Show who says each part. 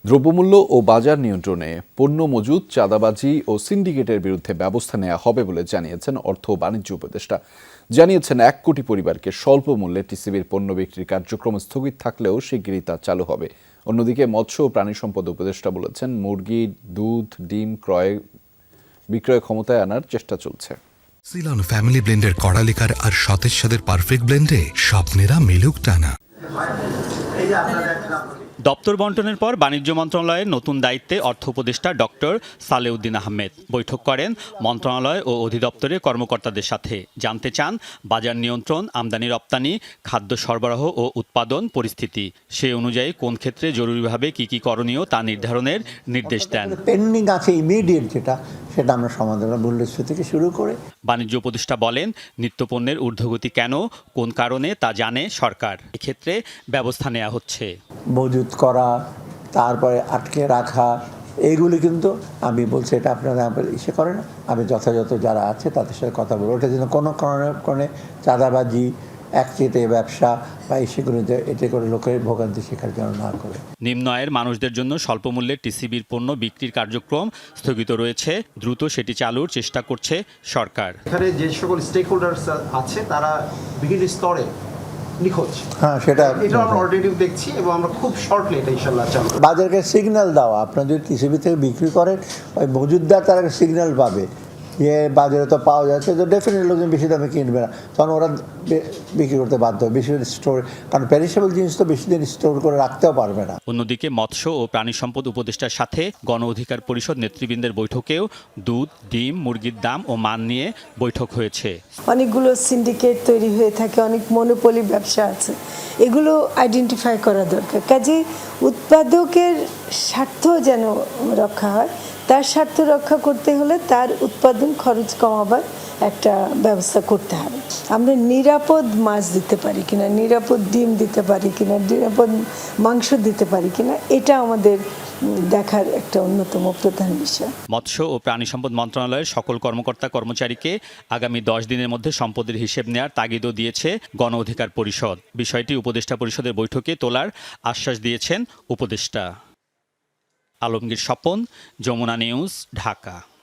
Speaker 1: দ্রব্যমূল্য ও বাজার নিয়ন্ত্রণে পণ্য মজুত, চাঁদাবাজি ও সিন্ডিকেটের বিরুদ্ধে ব্যবস্থা নেওয়া হবে বলে জানিয়েছেন অর্থ ও বাণিজ্য উপদেষ্টা। জানিয়েছেন ১ কোটি পরিবারকে স্বল্প মূল্যে টিসিবির পণ্য বিক্রির কার্যক্রম স্থগিত থাকলেও শিগগিরই তা চালু হবে। অন্যদিকে মৎস্য ও প্রাণী সম্পদ উপদেষ্টা বলেছেন, মুরগি, দুধ, ডিম বিক্রয় ক্ষমতায় আনার চেষ্টা চলছে।
Speaker 2: সিলন ফ্যামিলি ব্লেন্ডের কড়ালিকার আর সতেজ স্বাদের পারফেক্ট ব্লেন্ডে স্বপ্নেরা মিলুক টানা।
Speaker 3: দপ্তর বন্টনের পর বাণিজ্য মন্ত্রণালয়ের নতুন দায়িত্বে অর্থ উপদেষ্টা ডক্টর সালেউদ্দিন আহমেদ বৈঠক করেন মন্ত্রণালয় ও অধিদপ্তরের কর্মকর্তাদের সাথে। জানতে চান বাজার নিয়ন্ত্রণ, আমদানি রপ্তানি, খাদ্য সরবরাহ ও উৎপাদন পরিস্থিতি। সে অনুযায়ী কোন ক্ষেত্রে জরুরিভাবে কি করণীয় তা নির্ধারণের নির্দেশ দেন।
Speaker 4: পেন্ডিং আছে ইমিডিয়েট সেটা আমরা সমাধান মূল্যস্ফীতি থেকে শুরু করে।
Speaker 3: বাণিজ্য উপদেষ্টা বলেন, নিত্যপণ্যের ঊর্ধ্বগতি কেন, কোন কারণে তা জানে সরকার। এক্ষেত্রে ব্যবস্থা নেওয়া হচ্ছে।
Speaker 4: মজুত করা, তারপরে আটকে রাখা, এইগুলি কিন্তু আমি বলছি এটা আপনারা ইসে করেন, আমি যথাযথ যারা আছে তাদের সাথে কথা বলবো। ওটা যেন কোনো কারণে চাঁদাবাজি, একচেটে ব্যবসা বা সেগুলোতে এতে করে লোকের ভোগান্তি শিকার যেন না করে।
Speaker 3: নিম্ন আয়ের মানুষদের জন্য স্বল্প মূল্যে টিসিবির পণ্য বিক্রির কার্যক্রম স্থগিত রয়েছে। দ্রুত সেটি চালুর চেষ্টা করছে সরকার।
Speaker 5: এখানে যে সকল স্টেক হোল্ডার্স আছে তারা বিভিন্ন স্তরে নিখোঁজ।
Speaker 4: হ্যাঁ, সেটা
Speaker 5: আমরা অলরেডি দেখছি এবং আমরা খুব শর্টলি এটা ইনশাআল্লাহ চালু।
Speaker 4: বাজারকে সিগন্যাল দেওয়া, আপনার যদি টিসিবি থেকে বিক্রি করেন, ওই মজুদদার তারা সিগন্যাল পাবে যে বাজারে তো পাওয়া যাচ্ছে, তো ডেফিনেটলি লোকজন বেশি দামে কিনবে না, তখন ওরা বিক্রি করতে বাধ্য হবে বেশি স্টোর, কারণ পেরিশেবল জিনিস তো বেশি দিন স্টোর করে রাখতেও পারবে না।
Speaker 3: অন্যদিকে মৎস্য ও প্রাণী সম্পদ উপদেষ্টার সাথে গণ অধিকার পরিষদ নেতৃবৃন্দের বৈঠকেও দুধ, ডিম, মুরগির দাম ও মান নিয়ে বৈঠক হয়েছে।
Speaker 6: অনেকগুলো সিন্ডিকেট তৈরি হয়ে থাকে, অনেক মনোপলি ব্যবসা আছে, এগুলো আইডেন্টিফাই করা দরকার। কাজে উৎপাদকের স্বার্থ যেন রক্ষা হয়, তার স্বার্থ রক্ষা করতে হলে তার উৎপাদন খরচ কমাবার একটা ব্যবস্থা করতে হবে। আমরা নিরাপদ মাছ দিতে পারি কিনা, নিরাপদ ডিম দিতে পারি কিনা, নিরাপদ মাংস দিতে পারি কিনা, এটা আমাদের দেখার একটা অন্যতম প্রধান বিষয়।
Speaker 3: মৎস্য ও প্রাণী সম্পদ মন্ত্রণালয়ের সকল কর্মকর্তা কর্মচারীকে আগামী 10 দিনের মধ্যে সম্পদের হিসেব নেওয়ার তাগিদও দিয়েছে গণ অধিকার পরিষদ। বিষয়টি উপদেষ্টা পরিষদের বৈঠকে তোলার আশ্বাস দিয়েছেন উপদেষ্টা। আলমগীর স্বপন, যমুনা নিউজ, ঢাকা।